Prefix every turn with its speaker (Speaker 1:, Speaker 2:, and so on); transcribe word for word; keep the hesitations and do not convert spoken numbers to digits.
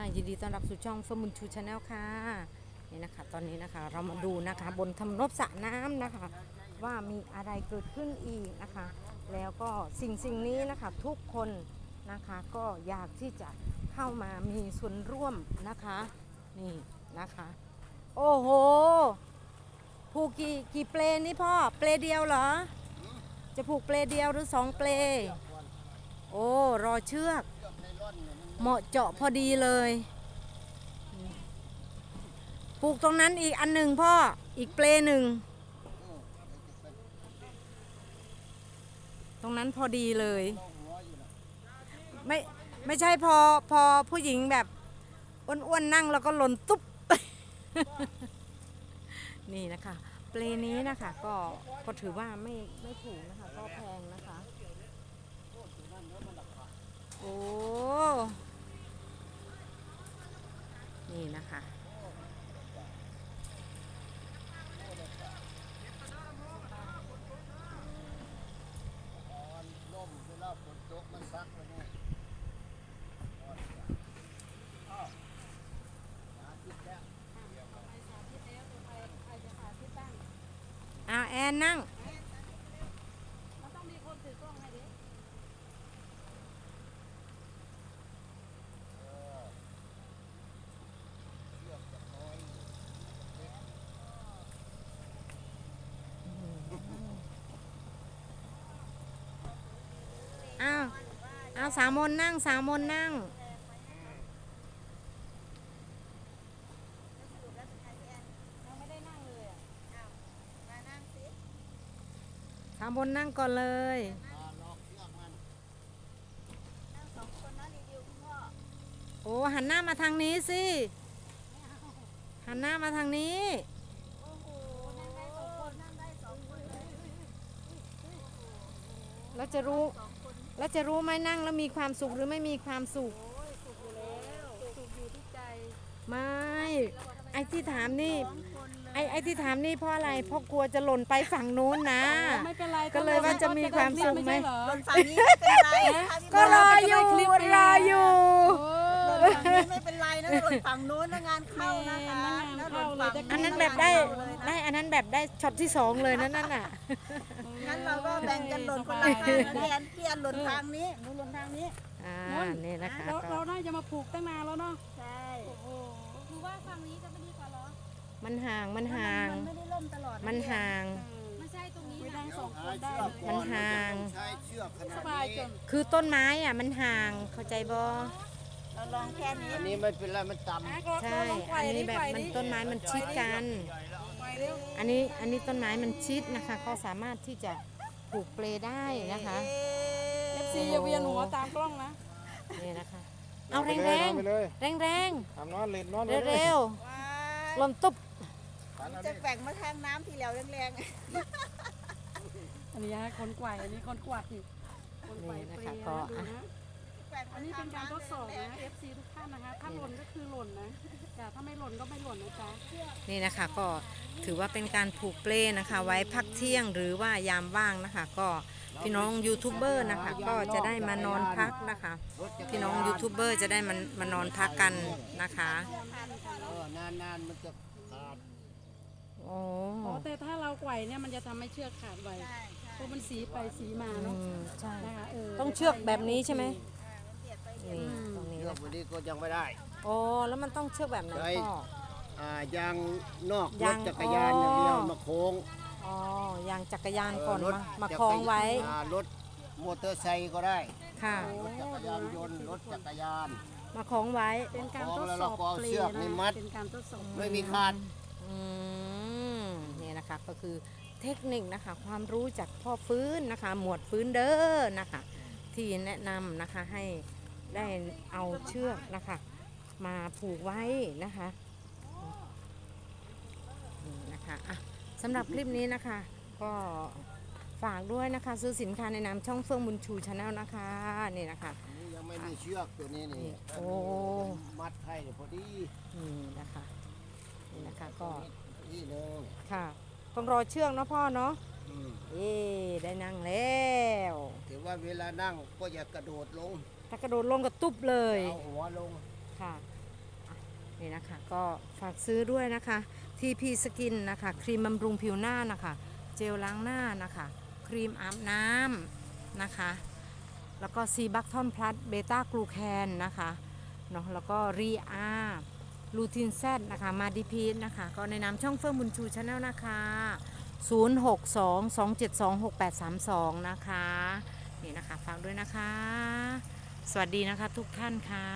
Speaker 1: ยินดีต้อนรับสู่ช่องเฟิร์มบุญชูชาแนลค่ะนี่นะคะตอนนี้นะคะเรามาดูนะคะบนทำนบสระน้ำนะคะว่ามีอะไรเกิดขึ้นอีกนะคะแล้วก็สิ่งสิ่งนี้นะคะทุกคนนะคะก็อยากที่จะเข้ามามีส่วนร่วมนะคะนี่นะคะโอ้โหผูกกี่กี่เปลนี่พ่อเปลเดียวเหรอจะผูกเปลเดียวหรือสองเปลโอ้รอเชือกเหมาะเจาะพอดีเลยปลูกตรงนั้นอีกอันหนึ่งพ่ออีกเปลหนึ่งตรงนั้นพอดีเลยไม่ไม่ใช่พอพอผู้หญิงแบบอ้วนๆนั่งแล้วก็หล่นตุ๊บ นี่นะคะเปลนี้นะคะก็ก็ถือว่าไม่ไม่ถูกนะคะก็แพงนะคะโอ้นี่นะคะอาแอนนั่งอ้าวอ้าวสามมนนั่งสามมนนั่งสามมนนั่งก่อนเลยโอ้หันหน้ามาทางนี้สิหันหน้ามาทางนี้แล้วจะรู้แล้วจะรู้ไหมนั่งแล้วมีความสุขหรือไม่มีความสุขไม่ไอ้ที่ถามนี่ไอ้ไอ้ที่ถามนี่เพราะอะไรเพราะกลัวจะหล่นไปฝั่งนู้นนะก็เลยว่าจะมีความสุขไหม
Speaker 2: หล่นฝั่งนี้ไม่เป็นไร
Speaker 1: ก็รออยู่รออยู่
Speaker 2: หล่นฝั่งนี้ไม่เป็นไรนะหล่นฝั่งนู้นนะงานเข้านะคะ
Speaker 1: อันนั้นแบบได้ได้อันนั้นแบบได้ช็อตที่สองเลยนั่นน่ะ
Speaker 2: งั้นเราก็แบ่งกันหล่นคนละทางนะพี่แอนพี่แอนหล่นทางนี้หนูหล่นทางนี้
Speaker 1: อ่านี่นะคะ
Speaker 3: เราได้จะมาผูกตั้งนานแล้วเนาะ
Speaker 2: ใช่
Speaker 3: คือว่าฝั่งนี้จะไม่ดีกว่าหรอ
Speaker 1: มันห่างมันห่าง
Speaker 2: มันไม่ได้ล่มตลอด
Speaker 1: มันห่าง
Speaker 3: ไม่ใช่ตรงนี้ไม่ได้สองคนได้
Speaker 1: มันห่าง
Speaker 3: สบายจน
Speaker 1: คือต้นไม้อ่ะมันห่างเข้าใจบ่
Speaker 2: เราลองแค่นี้
Speaker 4: อันนี้ไม่เป็นไรมันต่
Speaker 1: ำใช่อันนี้แบบมันต้นไม้มันชิดกันอันนี้อันนี้ต้นไม้มันชิดนะคะก็สามารถที่จะปลูกเปลได้นะคะ
Speaker 3: เอฟซีอย่าเวียนหัวตามกล้องนะ
Speaker 1: นี่นะคะเอาแรงแรงแรงแรง
Speaker 4: ทำนอนเล่นนอน
Speaker 1: เร็วๆลมตุ๊บ
Speaker 2: จะแบ่งมาทางน้ำทีเหลวแรง
Speaker 3: ๆอันนี้ฮะคนกวายอันนี้คนกวายคนกวายเปรี้ยวดูนะอันนี้เป็นการทดสอบนะ เอฟ ซี ทุกท่านนะคะถ้าหล่นก็คือหล่นนะแต่ถ้าไม่หล่นก็ไม่หล่นนะจ๊ะ
Speaker 1: นี่นะคะก็ถือว่าเป็นการผูกเปลนะคะไว้พักเที่ยงหรือว่ายามว่างนะคะก็พี่น้องยูทูบเบอร์นะคะก็จะได้มานอนพักนะคะพี่น้องยูทูบเบอร์จะได้มันมานอนพักกันนะคะ
Speaker 4: นานๆมันจะขาด
Speaker 1: โอ้
Speaker 3: แต่ถ้าเราไกวเนี่ยมันจะทำให้เชือกขาดไวเพราะมันสีไปสีมาเนาะ
Speaker 1: ใช่ต้องเชือกแบบนี้ใช่ไหมนี่ตรงนี้
Speaker 4: เชือกวันนี้ก็ยังไม่ได้
Speaker 1: โอ้แล้วมันต้องเชือกแบบไหนพ่อ
Speaker 4: อ่ายางนอกรถจักรยานอย่างเดียวมาโค้ง
Speaker 1: อ๋อยางจักรยานก่อนมามาคล้องไว้
Speaker 4: รถมอเตอร์ไซค์ก็ได้
Speaker 1: ค่ะ
Speaker 4: รถจักรยานยนต์รถจักรยาน
Speaker 1: มาคล้องไว้
Speaker 3: เป็นการทดสอบเปลี่ยนนะเป็นการทดสอบ
Speaker 4: ไม่มีขาด
Speaker 1: อืมนี่นะคะก็คือเทคนิคนะคะความรู้จากพ่อฟื้นนะคะหมวดฟื้นเด้อนะคะที่แนะนำนะคะให้ได้เอาเชือกนะคะมาผูกไว้นะคะนี่นะคะอ่ะสำหรับคลิปนี้นะคะก็ฝากด้วยนะคะซื้อสินค้าในนามช่องเฟื่องบุญชูชาแนลนะคะนี่นะคะ
Speaker 4: ยังไม่มีเชือกตัวนี้นี่
Speaker 1: โอ้
Speaker 4: มัดให้พอดี
Speaker 1: นี่นะคะนี่นะคะก็
Speaker 4: นี่เลย
Speaker 1: ค่ะต้องรอเชือกเนาะพ่อเนาะเอ๊ได้นั่งแล้ว
Speaker 4: ถือว่าเวลานั่งก็อย่ากระโดดลง
Speaker 1: ถ้ากระโดดลงก็ตุ๊บเลย
Speaker 4: เอาหัวลง
Speaker 1: ค่ะนี่นะคะก็ฝากซื้อด้วยนะคะ ที พี Skin นะคะครีมบำรุงผิวหน้านะคะเจลล้างหน้านะคะครีมอาบน้ำนะคะแล้วก็ซีบัคทอนพลัสเบต้ากลูแคนนะคะเนาะแล้วก็รีอาลูทินแซดนะคะมาดีพีนะคะก็ในนามช่องเฟื่องบุญชูชาแนลนะคะศูนย์ หก สอง สอง เจ็ด สอง หก แปด สาม สองนะคะนี่นะคะฝากด้วยนะคะสวัสดีนะคะทุกท่านค่ะ